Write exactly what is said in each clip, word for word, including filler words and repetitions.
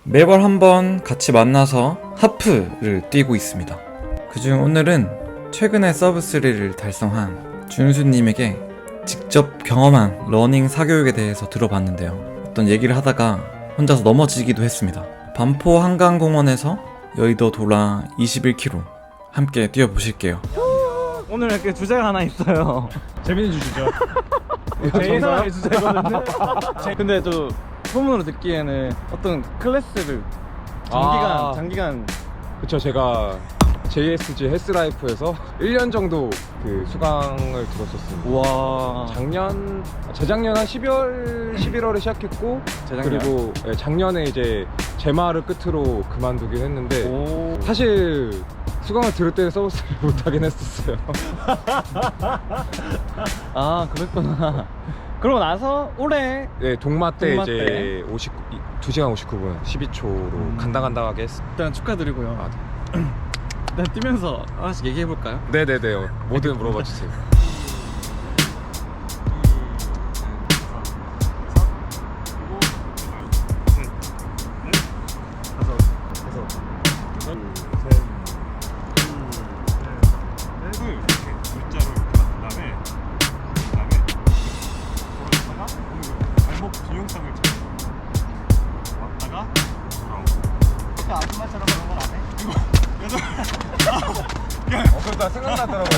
매월 한번 같이 만나서 하프를 뛰고 있습니다. 그중 오늘은 최근에 서브쓰리를 달성한 준수님에게 직접 경험한 러닝 사교육에 대해서 들어봤는데요. 어떤 얘기를 하다가 혼자서 넘어지기도 했습니다. 반포 한강공원에서 여의도 돌아 이십일 킬로미터 함께 뛰어보실게요. 오늘 이렇게 주제가 하나 있어요. 재밌는 주시죠. 제 예상의 주제거든요. 근데 저 소문으로 듣기에는 어떤 클래스를 장기간 아. 장기간 그쵸, 제가 제이에스지 헬스라이프에서 일 년 정도 그 수강을 들었었습니다. 와 작년, 재작년 한 십이월, 십일월에 시작했고, 재작년? 그리고 예, 작년에 이제 제마를 끝으로 그만두긴 했는데, 오. 사실 수강을 들을 때는 서비스를 못하긴 했었어요. 아 그랬구나. 그러고 나서 올해 네, 동마 때 동마 이제 오십구, 두 시간 오십구 분 십이 초로 음. 간당간당하게 했습니다. 일단 축하드리고요. 아, 일단 뛰면서 하나씩 얘기해 볼까요? 네네네, 뭐든 물어봐 주세요. 어, 그러다 생각나더라고요.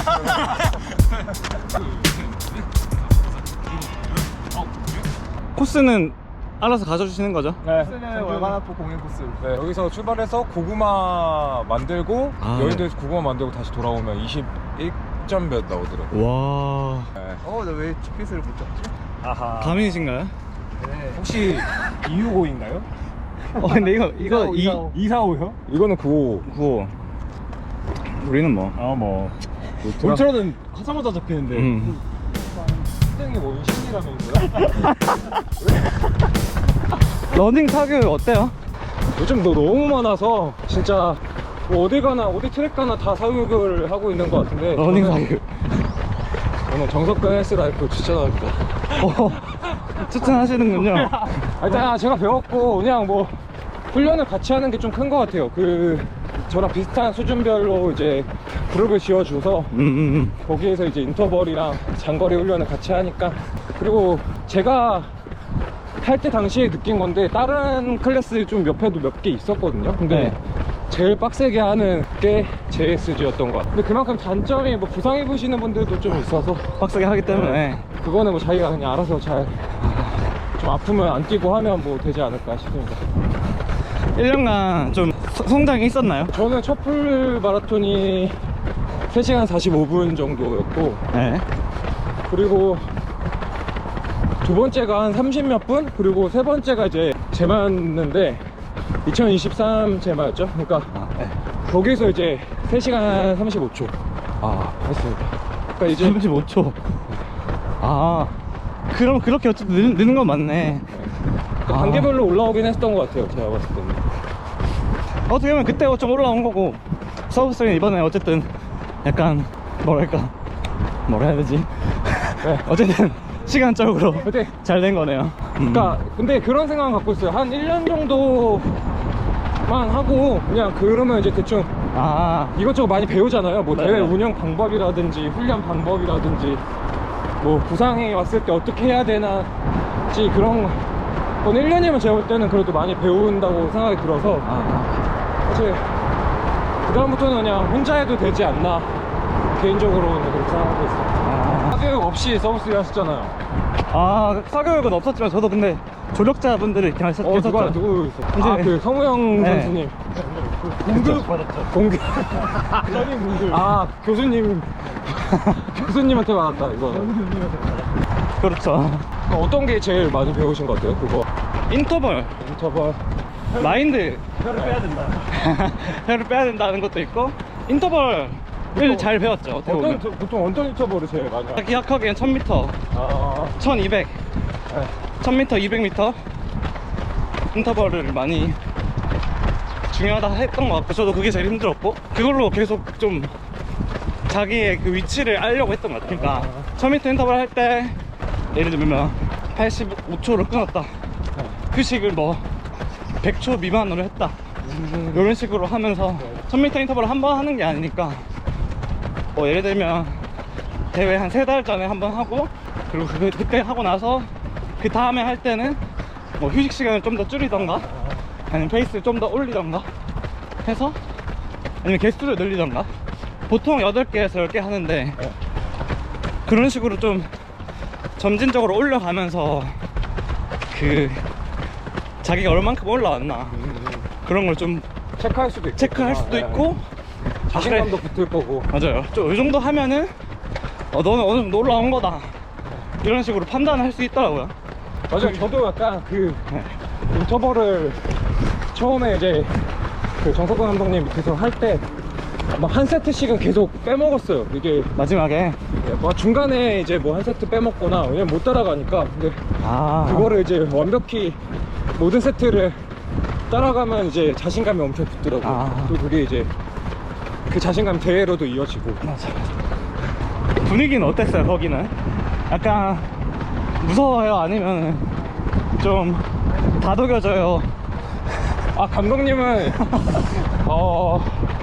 코스는 알아서 가져주시는 거죠? 네. 코스는 월간하프 공연 코스. 네, 여기서 출발해서 고구마 만들고 아. 여의도에서 고구마 만들고 다시 돌아오면 이십일 점 몇 나오더라고요. 와 네. 어, 나 왜 지피에스를 못 잡지? 아하. 가민이신가요? 네. 혹시 이백육십오인가요? 어 근데 이거 이거 이 이사오. 이백사십오요? 이거는 구십오. 구호. 우리는 뭐? 아뭐 울트라는 하자마자 잡히는데. 음. 굉장히 뭐 신이라면서요? 러닝 사교육 어때요? 요즘 너 너무 많아서 진짜 뭐 어디 가나 어디 트랙 가나 다 사육을 하고 있는 것 같은데, 러닝 저는- 사교육. 저는 정석근 헬스라이프 추천합니다. 어, 추천하시는군요. 아, 일단 제가 배웠고 그냥 뭐 훈련을 같이 하는 게 좀 큰 것 같아요. 그 저랑 비슷한 수준별로 이제 그룹을 지어줘서 음, 음, 거기에서 이제 인터벌이랑 장거리 훈련을 같이 하니까. 그리고 제가 할 때 당시에 느낀 건데, 다른 클래스 좀 몇 회도 몇 개 있었거든요. 근데 네. 제일 빡세게 하는 게 제이에스지였던 것 같아요. 근데 그만큼 단점이 뭐 부상 입으시는 분들도 좀 있어서, 음. 빡세게 하기 때문에. 그거는 뭐 자기가 그냥 알아서 잘 좀 아프면 안 뛰고 하면 뭐 되지 않을까 싶습니다. 일 년간 좀 서- 성장이 있었나요? 저는 첫 풀 마라톤이 세 시간 사십오 분 정도였고, 네. 그리고 두 번째가 한 삼십 몇 분, 그리고 세 번째가 이제 제마였는데 이천이십삼 제마였죠. 그러니까 아, 네. 거기서 이제 세 시간 삼십오 초 아 했습니다. 그러니까 이제 삼십오 초. 아, 그럼 그렇게 어쨌든 느, 느는 건 맞네. 그 아. 단계별로 올라오긴 했던 것 같아요, 제가 봤을 때는. 어떻게 보면 그때 좀 올라온 거고, 서브스는 이번에 어쨌든 약간 뭐랄까 뭐라 해야 되지? 네. 어쨌든 시간적으로 근데 잘 된 거네요. 음. 그러니까 근데 그런 생각은 갖고 있어요. 한 일 년 정도만 하고 그냥 그러면 이제 대충 아, 이것저것 많이 배우잖아요. 뭐 네. 대회 운영 방법이라든지 훈련 방법이라든지 뭐 부상이 왔을 때 어떻게 해야 되나지, 그런 건 일 년이면 제가 볼 때는 그래도 많이 배운다고 생각이 들어서, 아, 사실 그 다음부터는 그냥 혼자 해도 되지 않나, 개인적으로는 그렇게 생각하고 있어요. 아. 사교육 없이 서비스 하셨잖아요. 아, 사교육은 없었지만 저도 근데 조력자분들이 이렇게 하셨, 어, 누가 계셨죠. 누구 있어? 이제- 아, 그 성우형 네. 선수님. 공급 받았죠. 공급. 아, 교수님. 교수님한테 받았다, 이거. 그렇죠. 어떤 게 제일 많이 배우신 것 같아요, 그거? 인터벌, 인터벌. 마인드. 혀를 빼야 된다. 혀를 빼야 된다는 것도 있고, 인터벌을 잘 배웠죠. 어떻게 어떤, 보면. 저- 보통 어떤 인터벌을 제일 많이 하세요? 기억하기엔 천 미터, 아, 천이백, 네. 천 미터, 이백 미터 인터벌을 많이 중요하다 했던 것 같고, 저도 그게 제일 힘들었고, 그걸로 계속 좀 자기의 그 위치를 알려고 했던 것 같아요. 그러니까 천 미터 인터벌 할 때 예를 들면 팔십오 초를 끊었다, 휴식을 뭐 백 초 미만으로 했다 이런 식으로 하면서 천 미터 인터벌을 한 번 하는 게 아니니까 뭐 예를 들면 대회 한 세 달 전에 한 번 하고 그리고 그, 그때 하고 나서 그 다음에 할 때는 뭐 휴식 시간을 좀 더 줄이던가 아니면 페이스를 좀 더 올리던가 해서 아니면 개수를 늘리던가 보통 여덟 개에서 열 개 하는데 그런 식으로 좀 점진적으로 올려가면서 그 자기가 얼만큼 올라왔나 그런 걸 좀 체크할 수도 있고 체크할 수도 있고 자신감도 붙을 거고. 맞아요. 좀 이 정도 하면은 어, 너는 어느 정도 올라온 거다 이런 식으로 판단을 할 수 있더라고요. 맞아요. 저도 약간 그 인터벌을 처음에 이제 그 정석근 감독님 밑에서 할 때 막 한 세트씩은 계속 빼먹었어요. 이게 마지막에 뭐 중간에 이제 뭐 한 세트 빼먹거나 왜냐면 못 따라가니까. 근데 아 그거를 이제 완벽히 모든 세트를 따라가면 이제 자신감이 엄청 붙더라고요. 아. 또 그게 이제 그 자신감 대회로도 이어지고. 맞아. 분위기는 어땠어요 거기는? 약간 무서워요 아니면 좀 다독여져요? 아 감독님은 어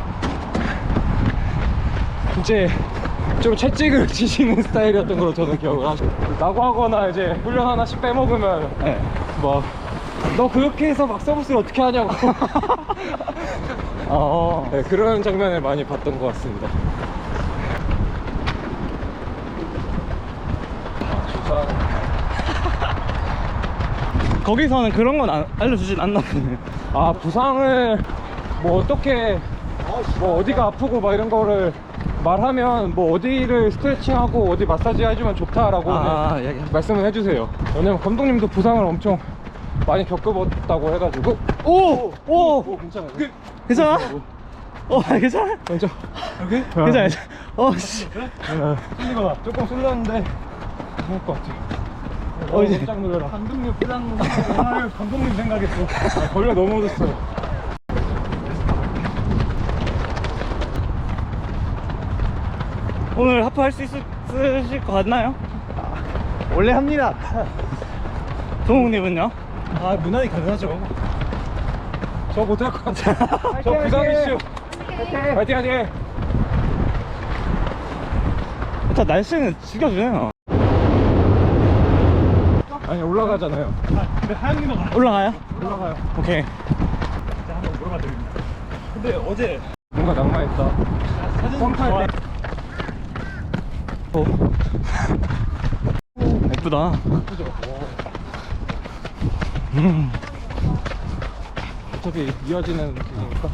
이제 좀 채찍을 치시는 스타일이었던 걸로 저는 기억을 하죠. 라고 하거나 이제 훈련 하나씩 빼먹으면 네. 뭐 너 그렇게 해서 막 서비스를 어떻게 하냐고. 어. 네, 그런 장면을 많이 봤던 것 같습니다. 거기서는 그런 건 안- 알려주진 않나 보네. 아 부상을 뭐 어떻게 뭐 어디가 아프고 막 이런 거를 말하면 뭐 어디를 스트레칭하고 어디 마사지 해주면 좋다라고 아, 네, 얘기- 말씀을 해주세요. 왜냐면 감독님도 부상을 엄청 많이 겪어봤다고 해가지고. 오! 오! 오 괜찮아요. 괜찮아? 어 괜찮아? 먼저 여기 괜찮아 괜찮아. 어 씨. 찔리거나 조금 쓸렸는데 좋을 것 같아요. 어, 이제- 깜짝 놀라라. 감독님 부상 오늘 감독님 생각했어. 아, 걸려 넘어졌어요. 오늘 하프 할 수 있으실 것 같나요? 원래 합니다. 동욱님은요? 아, 무난히 가능하죠. 저 못할 것 같아요. 저 부상 이슈. 파이팅 하팅. 일단 날씨는 죽여주네요. 아니 올라가잖아요. 근데 하영님은 올라가요? 올라가요. 오케이. 진짜 한번 물어봐 드립니다. 근데 어제 뭔가 낭만있다. 사진 펌프할 때 오. 예쁘다. 음. 어차피 이어지는 길이니까.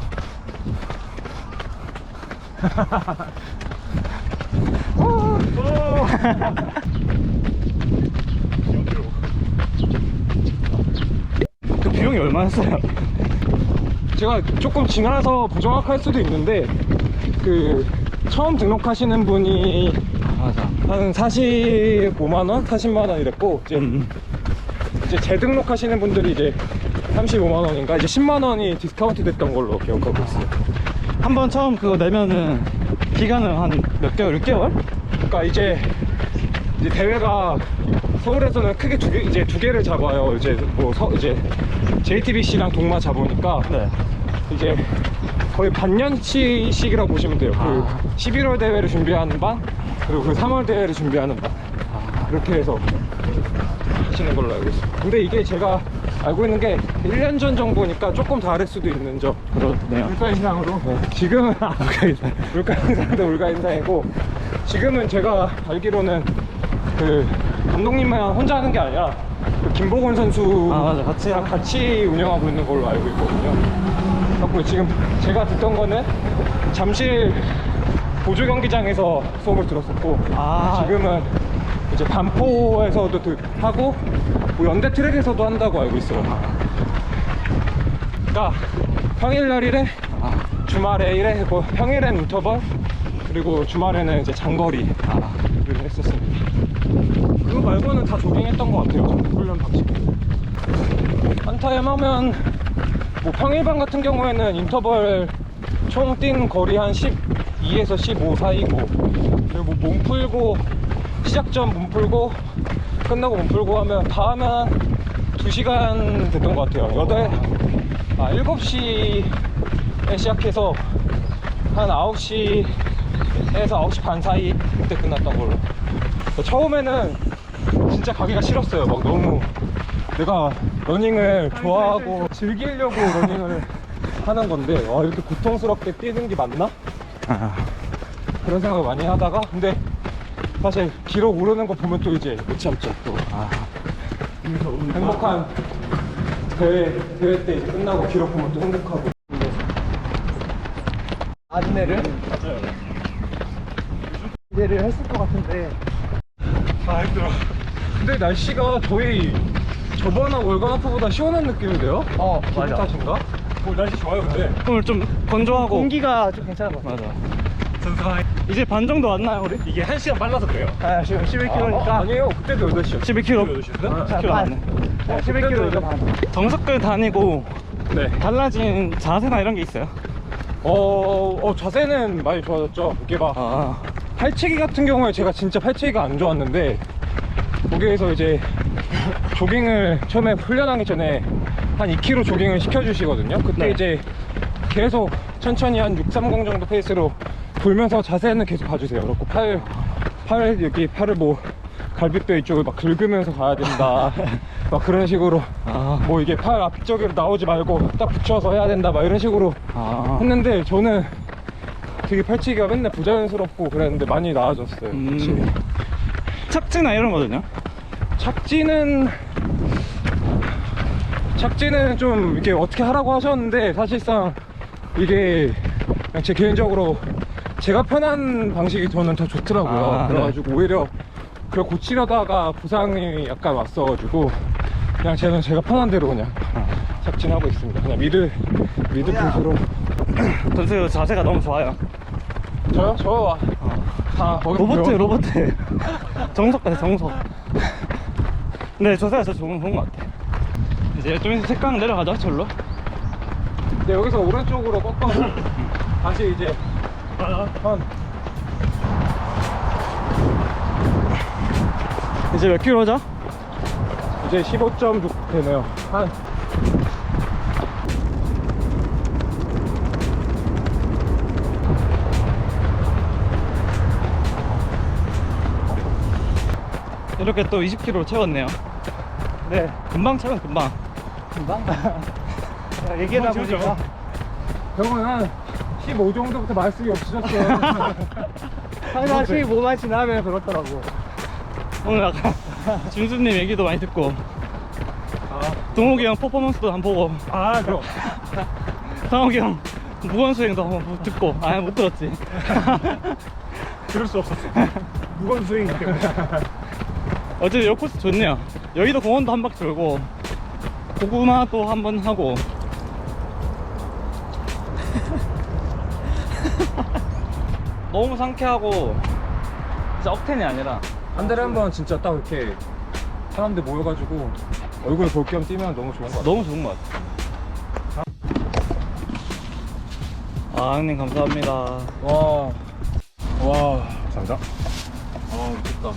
그 비용이 얼마였어요? 제가 조금 지나서 부정확할 수도 있는데 그 처음 등록하시는 분이 맞아. 한 사십오만 원, 사십만 원 이랬고 이제, 음. 이제 재등록하시는 분들이 이제 삼십오만 원인가 이제 십만 원이 디스카운트 됐던 걸로 기억하고 있어요. 한 번 처음 그거 내면은 기간은 한 몇 개월? 육 개월? 그러니까 이제 이제 대회가 서울에서는 크게 두 개, 이제 두 개를 잡아요. 이제 뭐 서, 이제 제이티비씨랑 동마 잡으니까 네. 이제 거의 반년치씩이라고 보시면 돼요. 그 아. 십일월 대회를 준비하는 반 그리고 그 삼월 대회를 준비하는 반 그렇게 해서 하시는 걸로 알고 있습니다. 근데 이게 제가 알고 있는 게 일 년 전 정도니까 조금 다를 수도 있는 점. 그렇네요. 물가 인상으로. 네. 지금은 아, 물가 인상. 물가 인상도 물가 인상이고 지금은 제가 알기로는 그 감독님만 혼자 하는 게 아니라 그 김보건 선수 아, 맞아. 같이 랑 같이 운영하고 있는 걸로 알고 있거든요. 그래서 지금 제가 듣던 거는 잠실 보조 경기장에서 수업을 들었었고 아. 지금은 이제 반포에서도 들- 하고 뭐 연대 트랙에서도 한다고 알고 있어요. 그러니까 평일날 일에 주말에 일에 뭐 평일엔 인터벌 그리고 주말에는 이제 장거리를 했었습니다. 그거 말고는 다 조깅했던 것 같아요. 훈련 방식. 한타임 하면 뭐 평일반 같은 경우에는 인터벌 총 뛴 거리 한 십이에서 십오 사이고 그리고 뭐 몸 풀고 시작 전 몸 풀고 끝나고 몸 풀고 하면 다 하면 한 두 시간 됐던 것 같아요. 여덟 아, 일곱 시에 시작해서 한 아홉 시에서 아홉 시 반 사이 그때 끝났던 걸로. 처음에는 진짜 가기가 싫었어요. 막 너무 내가 러닝을 좋아하고 즐기려고 러닝을 하는 건데 와, 이렇게 고통스럽게 뛰는 게 맞나? 그런 생각을 많이 하다가 근데 사실 기록 오르는 거 보면 또 이제 못 참죠. 또 아, 행복한 대회 대회 때 이제 끝나고 기록 보면 또 행복하고. 안내를 맞아요. 기대를 했을 것 같은데 아 힘들어. 근데 날씨가 저희 저번 월간하프보다 시원한 느낌인데요? 어 기분 탓인가? 뭐 날씨 좋아요 근데. 오늘 좀 건조하고 공기가 좀 괜찮은 것 같아요. 맞아. 이제 반 정도 왔나요 우리? 이게 한 시간 빨라서 그래요. 아 지금 십일 킬로미터니까 아, 아니에요. 그때도 여덟 시요. 십일 킬로미터. 여덟 시인데? 십 킬로미터 왔네. 십일 킬로미터 반. 정석들 다니고 네. 달라진 자세나 이런 게 있어요? 어, 어 자세는 많이 좋아졌죠. 이게 막 아, 팔체기 같은 경우에 제가 진짜 팔체기가 안 좋았는데 거기에서 이제 조깅을 처음에 훈련하기 전에 한 이 킬로미터 조깅을 시켜주시거든요. 그때 네. 이제 계속 천천히 한 육 삼공 정도 페이스로 돌면서 자세는 계속 봐주세요. 그렇고 팔, 팔 여기 팔을 뭐 갈비뼈 이쪽을 막 긁으면서 가야 된다. 막 그런 식으로 아, 뭐 이게 팔 앞쪽으로 나오지 말고 딱 붙여서 해야 된다. 막 이런 식으로 아. 했는데 저는 되게 팔찌기가 맨날 부자연스럽고 그랬는데 많이 나아졌어요. 음. 확실히. 착지나 이런 거든요? 착지는 착지는 좀 이렇게 어떻게 하라고 하셨는데 사실상 이게 그냥 제 개인적으로 제가 편한 방식이 저는 더 좋더라고요. 아, 그래가지고 오히려 그걸 고치려다가 부상이 약간 왔어가지고 그냥 저는 제가 편한 대로 그냥 착진하고 있습니다. 그냥 미드 미드 풋으로. 선수 자세가 너무 좋아요. 저요? 저 다 거기서 로버트 배워- 로버트 정석 같아 정석. 네 자세가 진짜 좋은, 좋은 것 같아. 이제 좀 있으면 색강 내려가죠 절로. 네, 여기서 오른쪽으로 꺾어서 다시 이제 한 이제 몇 킬로죠? 이제 십오 점 육 되네요. 한 이렇게 또 이십 킬로로 채웠네요. 네. 금방 채워 금방. 금방. 얘기하다 보니까 형은 한 십오 정도부터 말씀이 없으셨어요. 항상 십오만 지나면 그렇더라고. 오늘 약간 준수님 얘기도 많이 듣고 동욱이 형 퍼포먼스도 한번 보고 아, 그럼. 상욱이 형 무건수행도 한번 듣고 아예 못 들었지. 들을 수 없었어. 무건 스윙 때문에. 어쨌든 여 코스 좋네요. 여의도 공원도 한 바퀴 돌고 고구마도 한번 하고 너무 상쾌하고 진짜 억텐이 아니라 한 달에 한 번 진짜 딱 이렇게 사람들 모여가지고 얼굴 볼 겸 뛰면 너무 좋은 것 같아요. 너무 좋은 것 같아요. 아 형님 감사합니다. 와. 와. 감사합니다. 아 미쳤다.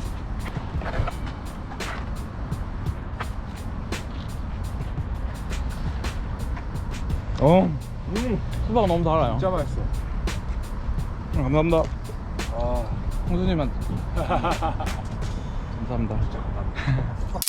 어. 음 수박 너무 달아요. 진짜 맛있어. 음, 감사합니다. 와. 홍수님한테 감사합니다.